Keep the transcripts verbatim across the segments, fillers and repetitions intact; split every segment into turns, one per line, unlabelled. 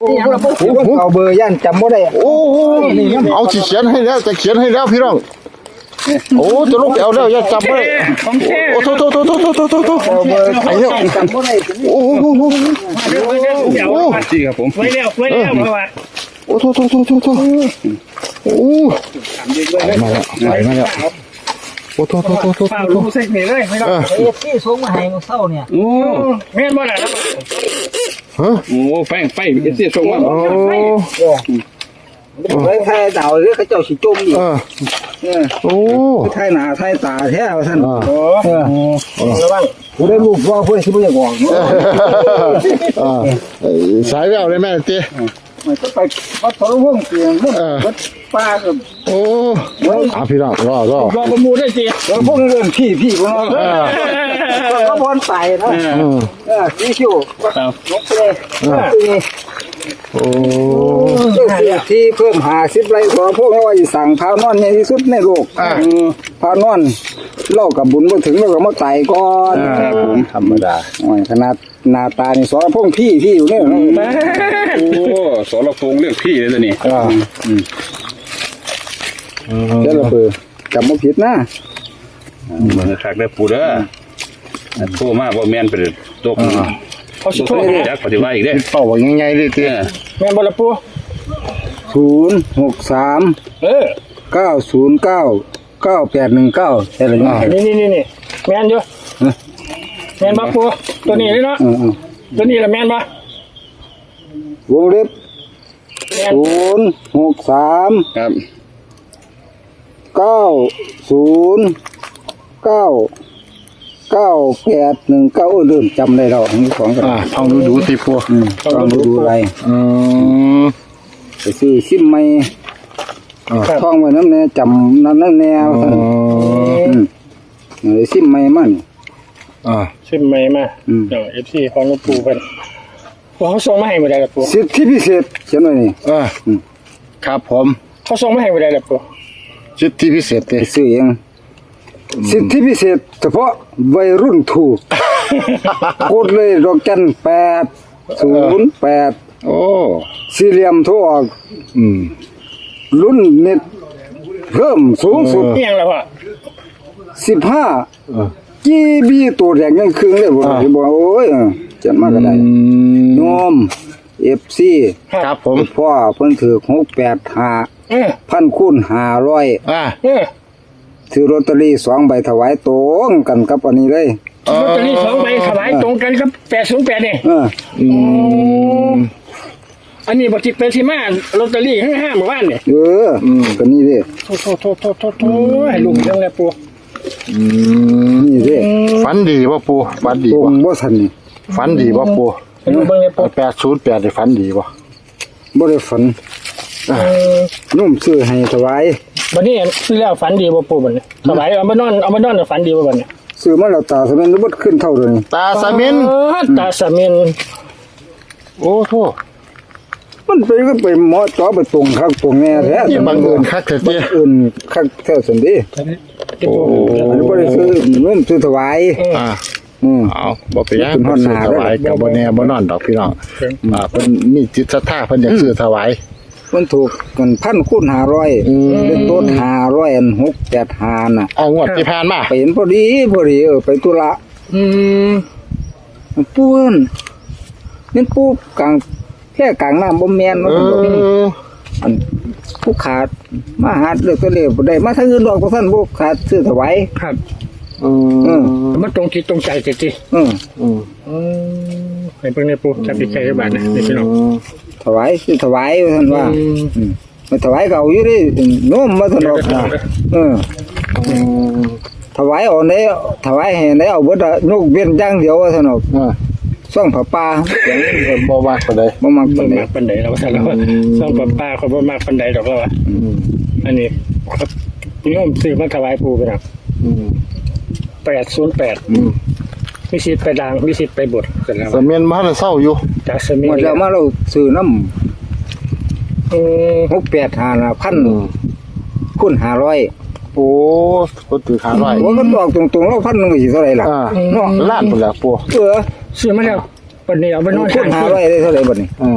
เอาเบอร์ย่านจำไม่ได้โอ้
เอาสิเขียนให้แล้วจะเขียนให้แล้วพี่น้องโอ้จะลงไปเอาแล้วอย่าจำไม่ได้โอ้โถโถโถโถโถโถโถโถไอ้เนี่ยโอ้โหโอ้โหโอ้จริงครับผมไว้แล้วไว้แล้วเพราะว่าโอ้โถโถโถโถโถโอ้มาแล้วมาแล้วโอ้โถโถโถโถโถโถ
เซ็กนี่เลยไม่ต้องเอฟซีส่งมาให้มาเศร้าเนี่ยโอ้แม่นบ่ล่ะ
ฮะ
โอ้แป้งไฟเอฟซีส่งมา
โอ้
ไว้ไทยดาวหรือเขาเจ้าสิจมอีก
โอ้
ไทยหนาไทยตาแท้ท่านโอ้ระวังผู้ได้ลูกว่าเพื่อนที่ไม่อยากบอก
สายแววเลยแม่เตี้ย
มันก็ไปวัดทรวงเสียงวัดป้ากับ
โอ้อาพี่น้องรอรอ
รอประมูลได้สิแล้วพวกนี้เรื่องพี่พี่พวกนั้นก็บอลใส่นะเออพี่ชิวลงไปเลย
โอ้
ที่เพิ่มหาสิบไรขอพวกเราไอ้สั่งพานอนใหญ่ที่สุดในโลกพานอนเล่ากับบุญมาถึงเราก็มาไต่ก่อน
ธรรมดา
ขนาดหน้าตานี่สอนพวกพี่พี่อยู่เนี่ย
โอ้สอนเราโกงเรื่องพี่เลยตัวนี้
เจ้าระเบิดจำไม่ผิดนะ
เหมือนขักได้ปูเด้อโทรมาบ่แมนไปตัว
เขาสิโทร
จักปฏิวัติอีกเด้
เป่าว่าง่ายๆเลยเตี้ย
แม่นบ่ล่ะปูศูนย์หกสามเออเก้าศูนย์เก้าเก้าแปดหนึ่งเก้าใช่หรือเปล่านี่นี่นี่นี่แม่นอยู่แม่นบ่ปูตัวนี้เลยเนาะตัวนี้ละแม่นบ่วงเล็บศูนย์หกสาม
ครับ
เก้าศูนย์เก้าเก้าแปดหนึ่งเก้าเริ่มจำได้เราทั้งสองกัน
ท่องดูดูสิพวก
ท่องดูดูอะไรไปซื้อซิมไม่ท่องไว้น้ำแน่จำน้ำนั่นแนวเลยซิมไม่มั่นซิมไม่มาเอฟซีของลูกปูเป็นเขาส่งมาให้มาได้หรือปูสิทธิพิเศษเขียนไว้นี่
ครับผม
เขาส่งมาให้มาได้หรือปู
สิทธิพิเศษ
เลยซื้อเองสิทธิพิเศษเฉพาะวัยรุ่นถูกกดเลยดอกจันแปดศูนย์แปด
โอ้
สี่เหลี่ยมทั่วอืมรุ่นเน็ตเพิ่มสูงสุดเพียงแล้วพ่อสิบห้าจีบีตัวแดงยังคืนเลยบ่บอกโอ้ยจัดมากก็ได้โยมเอฟซี
ครับผม
พ่อเพิ่นถือหกแปดห้าพันคูณห้าร้อย
อ่า
ซื้อลอตเตอรี่สองใบถวายตรงกันกับอันนี้เลย
ลอตเตอรี่สองใบถวายตรงกันกับแปดศูนย์แปดนี่อันนี้บทจิตเป็นที่มาลอตเตอรี่ห้าห้าหมู่บ้านเนี่ย
เออก็นี่ดิ
โทษโทษโทษโทษโทษให้ลุงยังไงปู
นี่ดิ
ฝันดีป่ะปูฝันดีป่ะ
บ่ทันนี่
ฝันดีป่ะปูแปดศูนย์แปดได้ฝันดีป่ะ
บ่ได้ฝันนุ่มซื้อให้ถวาย
บัดนี้ซื้อแล้วฝันดีบ่ปูบัดนี้ถวายเอามานอนเอามานอนฝันดีบ่บัดนี้
ซื้อมาแล้วตาสะเม็นบ่ขึ้นเท่าเดิม
ตาสะเม็น
ตาสะเม็น
โอ้โธ่
มันไปก็ไปหมอจ่อไปตรงคักตรงแน่แท้
บังเอิญคักแท้
บังเอิญคักแท้ซั่นดิโอ้อันนี้บ่ได้ซื้อนุ่มซื้อถวาย
อ่าอืมเอาบ่ไปย่างเพิ่นซื้อถวายก็บ่แน่บ่นอนดอกพี่น้องอ่าเพิ่นมีจิตศรัทธาเพิ่นอยากซื้อถวาย
มันถูกกันพันคูณห้าร้อยเป็นต้นห้าร้อยอันหกแปดห้าน่ะ
เอางวดที่ผ่านมา
ไปเห็นพอดีพอดีเออไปตุละอืมปูนนี่ปูกลางแค่กลางน้ำบ่แม่นมันอันผู้ขาดมาหาเลือกตัวเลขบ่ได้มาทางอื่นดอกบ่ซั่นบ่ขาดซื้อถวาย
ครับอืมมันตรงจิตตรงใจจริงๆอืมอืมอืมให้เพิ่นได้ปูจับใจบาดนะนี่พี่น้อง
ถวายคือถวายท่านว่ามาถวายเก่าอยู่ดิโน้มมาถนอกเออถวายเอาไหนถวายให้ไหนเอาเบิดนกเบี้ยย่างเดียวถนอกซ่องผ้าป่า
อย่างนี้บ่มากปานใด
บ่มากปานใด
ปานใดแล้วว่าแล้วซ่องผ้าป่าเขาบ่มากปานใดดอกแล้วว่าอันนี้โยมซื้อมาถวายปู่กันนะแปดศูนย์แปดมีสิทธิ์ไปดังมีสิทธิ์ไปบด
กันแล้วสเมียนมาแล้วเศร้าอยู่
จากสเมียน
แล้วมาเราซื้อน้ำหกแปดห้าพันคูณห้าร้อย
โอ้ก็ถือห้าร้อย
ว่าก็ตอกตรงๆแล้วพันหนึ่งสิเท่าไหร่ล่ะ
เนาะล้านหมดแล้วปู
เออซื้อมาแล้วปันนี้เอาไปนอน
คูณห้าร้อยได้เท่าไหร่บัดนี้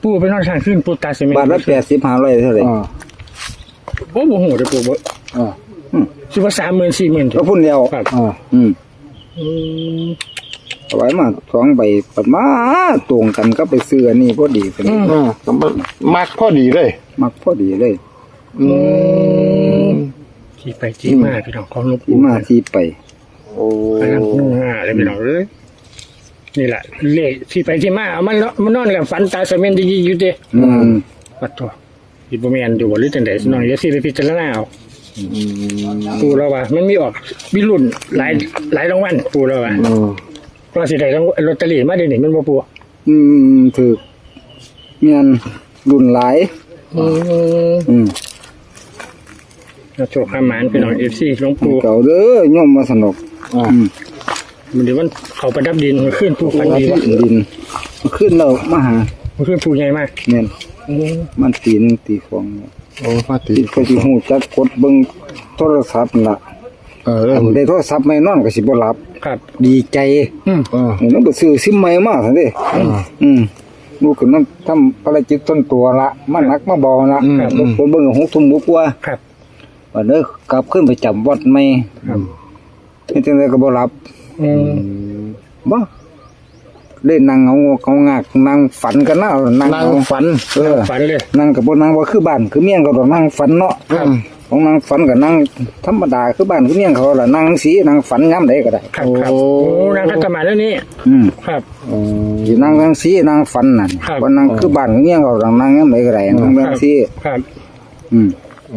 ปูไปนอนข้างขึ้นปูตาเสมิ
บาทละแปดสิบห้าร้อยเท่าไหร่
อ่า
โอ้โหโหเดี๋ยวปูบ่
อ่า
สิว่าสามหมื่นสี่หมื่น
ก็พุ่นเดียว
ครับ
อ่า
อืม
อืม
เอาไว้มาสองใบปัดมาตรงกันก็ไปซื้ออันนี้พอดีกัน
อ่าก็มันมักพอดีเลย
มักพอดีเลย
อืม
ที่ไปที่มาพี่น้องของหลวง
ที่
ปู่
มาที่ไป
โอ้
ไปนั่งนู่นง่าเลยพี่น้องเลยนี่แหละเลขที่ไปที่มาเอามันเนาะมันนอนกับฝันตาเสมินดีๆอยู่เด้
อืม
ปัดตัวอีบ่แม่นอยู่บ่หรือจังได๋น้องอย่าสิไปพิจารณาเอา
อืม
ปูแล้วว่ามันมีออกมีรุ่นหลายหลายรางวัลปูแล้วว่า
อืม
ว่าสิได้รางวัลลอตเตอรี่มาเดี๋ยวนี้มันบ่ปู
อืมถือเมียนรุ่นหลาย
อืม
อืม
โชคหามานพี่น้อง เอฟ ซี หลวงปู่
เก่าเด้อโยมมาสนุก
อ่า
อืม
มันเดี๋ยวมันเขาประดับดินมันขึ้นปูฟันดี
ดินขึ้นแล้วมาหา
มันขึ้นปูใหญ่มาก
เมียน
อืม
มันตีหนึงตีสอง
โอ้มาตี
ตีก็สิฮู้จักกดเบิ่งโทรศัพท์น่ะ
เออเริ่ม
ได้โทรศัพท์ไม่นอนก็สิบ่หลับ
ครับ
ดีใจ
อืม
อ่า
มันไปซื้อซิมใหม่มาซั่นเด้อืมลูกก็นำทำภารกิจต้นตัวละมาหนักมาเบาละครับผมเบิ่งหกทุ่มกว่า
ครับ
วันเด้อกลับขึ้นไปจำวัดใหม่
ครับ
เฮ็ดจังไดก็บ่หลับ
อืม
บ่ได้นั่งเอางอกเอางากนั่งฝันกันนะนั่ง
นั่ง
เอา
ฝัน
เออ
ฝันเลย
นั่งก็บ่นั่งว่าคือบ้านคือเมียงก็ต้องนั่งฝันเนาะ
ครับ
ของนั่งฝันก็นั่งธรรมดาคือบ้านคือเมียงเขาล่ะนั่งสีนั่งฝันยามใดก็ได้
ครับครับโอ้นางคัตมาแล้วนี่
อืม
ครับ
อืม
สินั่งทั้งสีนั่งฝันนั่น
ครับ
บ่นั่งคือบ้านคือเมียงเขาต้องนั่งยามใดก็ได้นั่งทั้งสี
ครับ
อืม
โอ้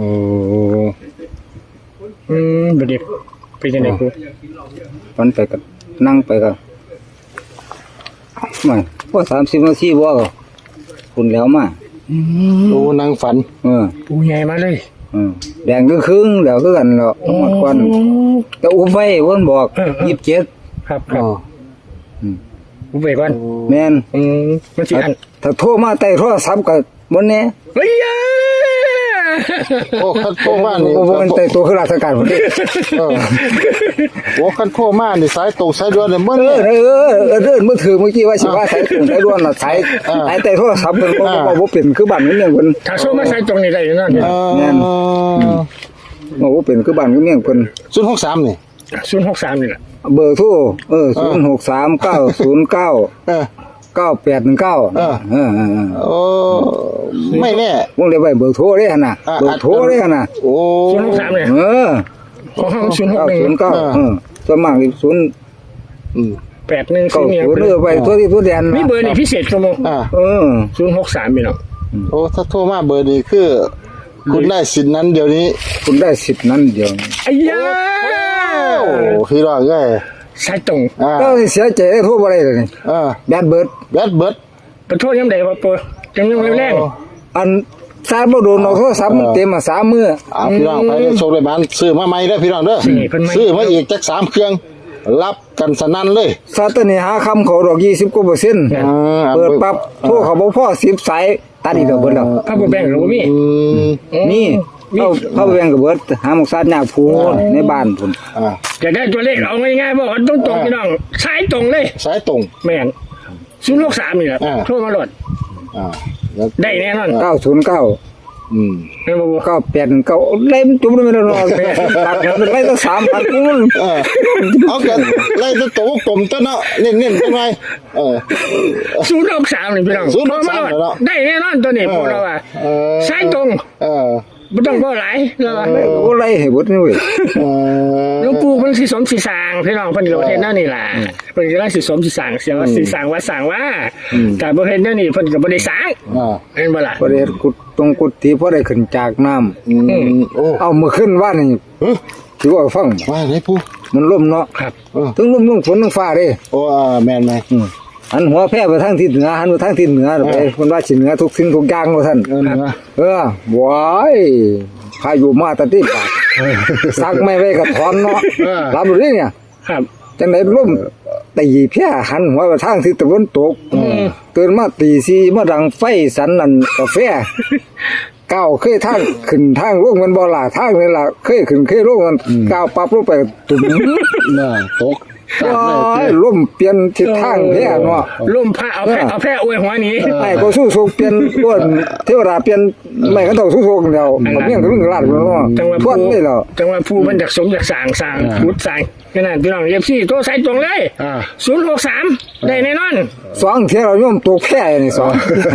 อืมบัดนี้เป็นจังได๋ปู
ฝันไปก็นั่งไปก็ไม่พอสามสิบนาทีบ่ก็คุณแล้วมา
โอ้นั่งฝัน
เออ
ปูใหญ่มาเลย
เออแดงครึ่งๆแล้วคือกันแล้วหมดก่อนแต่อุ้มไว้เพิ่นบอกยี่สิบเจ็ด
ครับครับ
อ๋อ
ปูไปก่อน
แม่น
อืมมันสิอัน
ถ้าโทรมาใต้โทรศัพท์ก็บ่แน่
เฮ้ยยา
โอ้คันโทรมานี่
บ่บ่มันใต้ตัวคือราชการพุ่นเด้
เออโอ้คันโทรมานี่สายตรงสายด่วนเนี่ยเบิ่ง
เอ
เล
อย เออเออเดินมือถือเมื่อกี้ว่าสิว่าสายตรงสายด่วนน่ะสาย
อ่า
สายใต้โทรศัพท์เพิ่นบ่
อ่า
บ่บ่เป็นคือบ้านคือเมืองเพิ่น
ถ้าโซมาใส่ตรงนี้ได้อยู่นั่น
เอ
แม่น
อ
บ่บ่เป็นคือบ้านคือเมืองเพิ่น
ศูนย์หกสามนี่
ศูนย์หกสามนี่แหละ
เบอร์โทรเออศูนย์หกสามเก้าศูนย์เก้า
เออ
เก้าแปดหนึ่งเก้า
เออ
เออเออเออ
โอ้ไม่แน่
วงเล็บไว้เบอร์โทรเด้หั่นน่ะ
อ่า
เบอร์โทรเด้หั่นน่ะ
โอ้
ศูนย์หกสามเลย
เออ
ของห้องศูนย์หก
เก้า
หนึ่ง
ศูนย์เก้า
อ่า
เออส่วนมากนี่ศูนย์
อืม
แปดหนึ่ง
เก้า
สี่เนี่ย
ศูนย์เออไปตัวที่ตัวแดน
มีเบอร์นี่พิเศษชั่วโมง
อ่า
เออ
ศูนย์หกสามพี่น้อง
โอ้ถ้าโทรมาเบอร์นี้คือ คุณได้สิทธิ์นั้นเดี๋ยวนี้
คุณได้สิทธิ์นั้นเดียวนี้
ไอ้ยา
โอ้พี่รอดเลย
ใส่ตรง
อ่า
ก็เสียใจได้โทรบ่ได้เลยนี่
อ่า
แบดเบิด
แบดเบิด
ขอโทษยังไงวะปูจังยังแรง
อันซาบ่โดนเอาโทรศัพท์มันเต็มมาสามมื้อ
อ่าพี่น้องไปโชว์เลยบ้านซื้อมาใหม่เด้อพี่น้องเด้อซื้อมาอีกจักสามเครื่อง รับกันสนั่นเลย
ซาตนี่หาคำเขาดอกยี่สิบกว่าเปอร์เซ็นต์
อ่า
เปิดปั๊บโทรเขาบ่พอสิบสายตัดอีกแล้วเบิดแล้ว
ๆพระบุแบงหรือว่ามี
อืม
นี่เขาเขาไปแบ่งกับเบิดหาหมกซาดยากพูนในบ้านพุ่น
อ่า
จะได้ตัวเลขเอาง่ายๆบอกว่าต้องตรงพี่น้องใช้ตรงเลย
สายตรง
แม่นศูนย์หกสามนี่แหละ
อ่า
โทรมาโหลด
อ่าแล้ว
ได้แน่นอน
เก้าศูนย์เก้า
อืม
แม่นบ่ปู
เก้าแปดหนึ่งเก้าไล่มันจุ่มเลยไม่ได้หรอกตัดมันไล่ตั้งสามพันกูมัน
เออเอากันไล่ตัวโตกลมตัวเนาะเน้นๆจังไงเออ
ศูนย์หกสามนี่พี่น้อง
ศูนย์หก
โทร
สาม
มาโหลด
เหรอ
ได้แน่นอนตัวนี้พวกเราอ่ะ
เออ
ใช้ตรง
เออ
ไม่ต้องก็หลายเราอะ
กูไล่ให้เบิดนี่เว้ย
เออ
หลวงปู่เพิ่นสิสมสิสร้างพี่น้องเพิ่นก็เฮ็ดแนวนี้ล่ะเพิ่นก็สิสมสิสร้างเสียว่าสิสร้างว่าสร้างว่าแต่บ่เฮ็ดแนวนี้เพิ่นก็บ่ได้สร้าง
อ่า
เห็นบ่ล่ะ
ประเดี๋ยวกุดตรงกุดที่พอได้ขึ้นจากน้ำ
อืมโอ้
เอามือขึ้นว่านี่
เฮ้ย
ถือว่าฟัง
ว่าไหนปู
มันล่มเนาะ
ครับ
เออ
ถึงล่มลงฝนลงฟ้าเด้
โอ้อ่าแม่นไหม
อืมหันหัวแพร่ไปทางทิศเหนือหันไปทางทิศเหนือไปเพิ่นว่าสิเหนือทุกสิ่งทุกอย่างว่าซั่น
เออนะ
เออว้ายพายุมาแตะที่ปากซักไม่ไว้ก็ถอนเนาะรับรู้ดิเนี่ย
ครับ
จังได๋ล่มตีเพี้ยหันหัวไปทางทิศตะวันตกตื่นมาตีสี่มาดังไฟสันนั่นกาแฟก้าวเคยทางขึ้นทางลงมันบ่ล่ะทางนี่ล่ะเคยขึ้นเคยลงมันก้าวปั๊บลงไปตุ่ม
น่าตกตามเลย
โอ้ยล่มเปลี่ยนทิศทางแท้เนาะ
ล่มพระเอาแพร่เอาแพร่อวยหัวหนี้
ไอ้ก็สู้โศกเปลี่ยนล้วนเทวดาเปลี่ยนไม่ก็ต้องสู้โศกแล้วมันเมี่ยงกับเรื่องลาดแล้วเนาะ
จังหวะ
ทวน
ผู้
ได้แล้ว
จังหวะผู้มันจากสมจากสร้างสร้างพุทธสร้างขนาดพี่น้องเอฟซีโทรใส่ตรงเลย
อ่า
ศูนย์หกสามได้แน่นอน
สองเที่ยวเราย่อมตกแพ้นี่สอง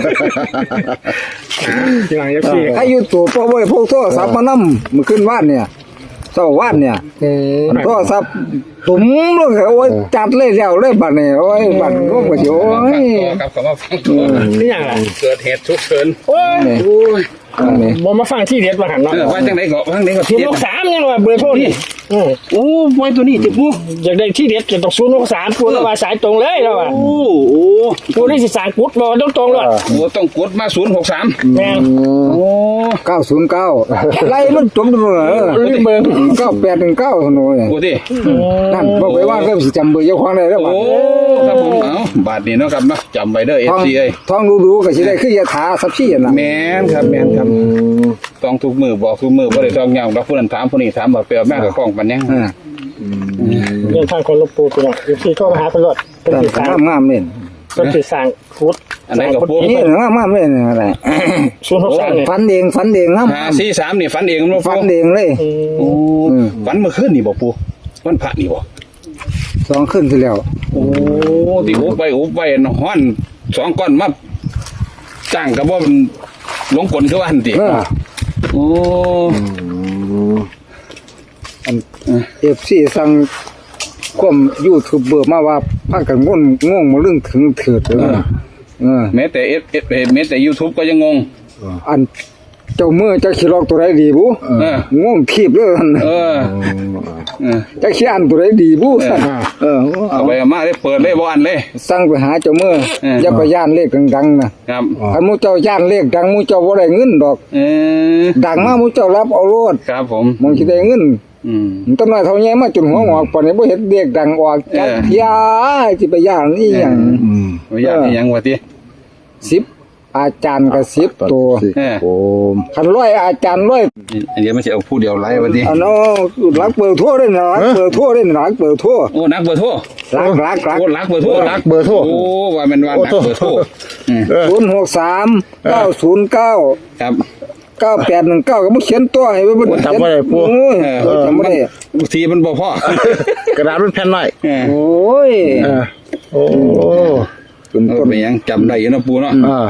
พี่น้องเอฟซี
ใครอยู่ตัวพ่อบ่ได้พกโทรศัพท์มานำมื้อคืนวานเนี่ยเช้าว่านเนี่ยโทรศัพท์ตุ้มลงโอ้ยจัดเลยแล้วเลยบัดนี้โอ้ยบัดร่วมก็สิโอ้ย
ครับคำว่าฟังตัว
นี่อย่างไร
เกิดเหตุฉุกเฉิน
โอ้ย
นี่
โอ้ย
อันนี้
บอมาฟังที่เด็ดมาหันเนาะ
เออว่าจังไหนก็ว่าจังไหนก็
ศูน
เที
ย์
ย
ห
บ
กสามนี่ว่าเบอร์โทรนี่อืม
โอ้ไว้ตัวนี้ติปู
อยากได้ที่เด็ดจะต้องศูนย์หกสามพูดแล้วว่าสายตรงเลยแล้วว่า
โอ้โอ้
พูดได้สิสารกุดบอกต้องตรงๆเลย
โหต้องกดมาศูนย์หกสาม
แม่ง
โอ้
เก้าศูนย์เก้าไล่มันจมดูเออ
ลืมเบอร์
เก้าแปดหนึ่งเก้าโน่น
โหดิ
นั่นบอกไปว่าเริ่มสิจำเบอร์เจ้าของได้แล้ว
โอ้ครับผมเอ้าบาทนี้เนาะครับเนาะจำไว้เด้อเอ
ท
ฟ
อง
ซีเอ้ย
ทองดูๆก็สิได้คือยาถาสับซี่น่ะ
แม่นครับแม่นครับต้องทุกมือบอกทุกมือบ่ได้ต้องย่างดอกผู้นั้นถามผู้นี้ถามว่าไปเอาแม่กับของปันยัง
อ่า
เรื่องทางคนลบปูไปเนาะเอฟซีโทรมาหาตำรวจเป็นสิสาร
งามๆเล่น
เป็นสิสารกุด
อันไหนก็ปู
นี่งามๆเล่นอะไร
ศูนย์หกสามเนี่ย
ฝันเองฝันเองงาม
ห้าสี่สามนี่ฝันเองมั้ง
ฝั
ปู
นเองเลย
โอ้ฝันเมื่อคืนนี่บ่ปูวันพระนี่บ่
สองขึ้นที่แล้ว
โอ้ที่อุบไปอุบไปฮ้อนสองก้อนมาจ้างก็บ่มันหลงกลคือว่าหั่นติ
เออ
โอ้
เอฟซีสั่งความยูทูบเบอร์มาว่าพากันง่นง่วงมาเรื่องถึงเถิดเออเออ
แม้แต่ F F แม้แต่ YouTube ก็ยังงง
อันเจ้ามือจะขี้ลอกตัวใดดีบุ
เออ
ง่วงทีบเลยหั่น
เออเออ
จะขี้อันตัวใดดีบุสั่นเออ
เอาไปเอามาได้เปิดเลยบ่อันเลย
สั่งไปหาเจ้ามือ
เออ
อย่าไปย่านเลขดังๆนะครับ อันหมูเจ้าย่านเลขดังหมูเจ้าบ่ได้เงินดอก
เออ
ดังมาหมูเจ้ารับเอาโลด
ครับผม
มองสิได้เงิน
อืม
มันต้นน้อยเท่าแย่มาจนหัวงอกปานนี้บ่เฮ็ดเลขดังออกจัก
เออ
เที่ยสิไปย่านอีหยัง
บ่อยากให้หยังว่าติ
สิบอาจารย์ก็สิบตัว
เออ
โอ้
คันร้อยอาจารย์ร้อย
อันเดี๋ยวมันสิเอาผู้เดียวไล่ว่าติ
อันเอารักเปิดทั่วเด้นะรักเปิดทั่วเด้นะรักเปิดทั่ว
โอ้นักเบอร์โทร
รักรักรัก
โอ้รักเบอร์โทร
รักเบอร์โทร
โอ้ว่ามันว่านักเบอร์โทรอืม
ศูนย์หกสามเก้าศูนย์เก้า
ครับ
เก้าแปดหนึ่งเก้าก็บ่เขียนตัวให้มัน
จำบ่ได้ปู่
โอ้ย
เออ
จำบ่ได้
บางทีมันบ่พอก
ระดาษมันแผ่นหน่อย
เออ
โอ้ย
เออโอ้
จน
เออ
ต้น
เป็นหยังจำได้อยู่เนาะปูเนาะ
อ่า